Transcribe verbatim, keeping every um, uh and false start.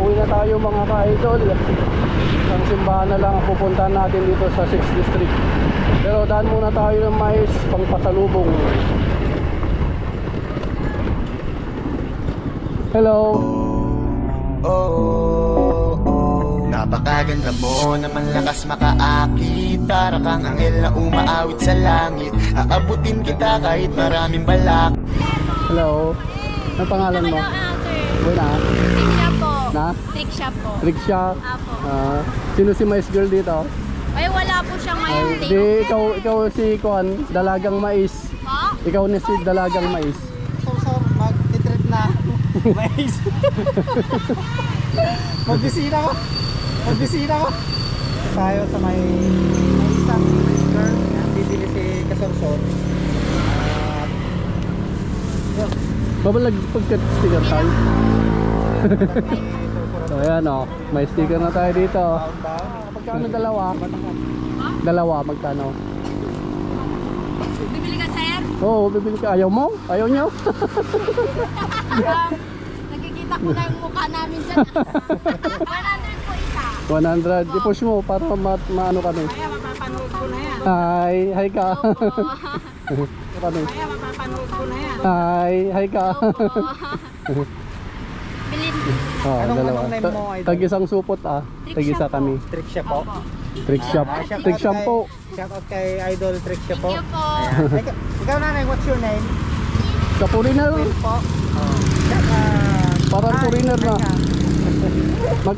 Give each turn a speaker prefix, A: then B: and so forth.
A: Pauwi na tayo mga ka-idol. Ang simbahan na lang ang pupuntahan natin dito sa sixth District. Pero daan muna tayo ng mais pang pasalubong. Hello.
B: Oh, napakaganda mo naman, lakas makaakit. Para kang anghel na umaawit sa langit. Aabutin kita kahit maraming balak.
A: Hello. Ano pangalan mo?
C: Ah, sir.
A: Buena.
C: Tricksha po.
A: Na?
C: Tricksha po.
A: Riksha.
C: Apo.
A: Ah, sino si mais girl dito?
C: Ay, wala po siya ngayon.
A: Ay,
C: Day
A: di
C: off.
A: ikaw ikaw si Kuan, dalagang mais.
C: Po?
A: Ikaw ni si dalagang mais.
D: So, so, mag-titreat na. Mais. Magbisita ko. Magbisita ko. Tayo sa may may isang girl na bibili si Kasorson. At yun.
A: Babalag pagkat sticker tayo. So ayan o, may sticker na tayo dito.
D: Taon-taon.
A: Magkano dalawa? Dalawa, magkano?
C: Bibili ka, sir?
A: Oo, bibili ka. Ayaw mo? Ayaw nyo?
C: Um, nakikita ko na yung mukha namin dyan. one hundred po isa.
A: one hundred. I-push mo para ma maano kami.
D: Kaya mapapanood ko na yan.
A: Hi, hi ka. kami.
D: Kaya mapapanood ko na yan.
A: Hi, hi ka.
C: Bilin.
A: Oh,
D: Anong-
A: dalawa.
D: anong name
A: Ta-
D: mo, idol?
A: Tag-isang supot ah. Tag-isa kami.
D: Trick siya po.
A: Trick shop.
D: Ah, shout
A: Trick
D: out
A: shop
D: kay-
A: po.
D: Shout out kay Idol Trick siya po.
C: Thank you po.
D: Ayan. Ikaw, ikaw nanay, what's your name?
A: Sa foreigner.
D: Will po. Oh. Shout out.
A: Parang
D: Hi,
A: foreigner na.
D: hi ka.
A: Mag